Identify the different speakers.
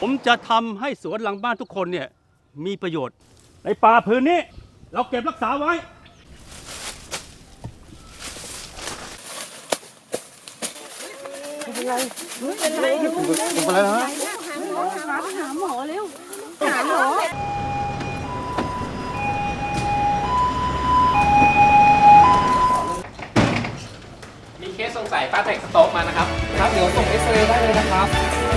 Speaker 1: ผมจะทำให้สวนหลังบ้านทุกคนเนี่ยมีประโยชน์ในป่าพื้นนี้เราเก็บรักษาไว้
Speaker 2: เป็นไรนะฮะ
Speaker 3: หาหมอเร็วหาหมอ
Speaker 4: มีเคสสงสัยป้าแตกสโต๊กมานะครับ
Speaker 5: ครับเดี๋ยวส่งเอ็กซเรย์ได้เลยนะครับ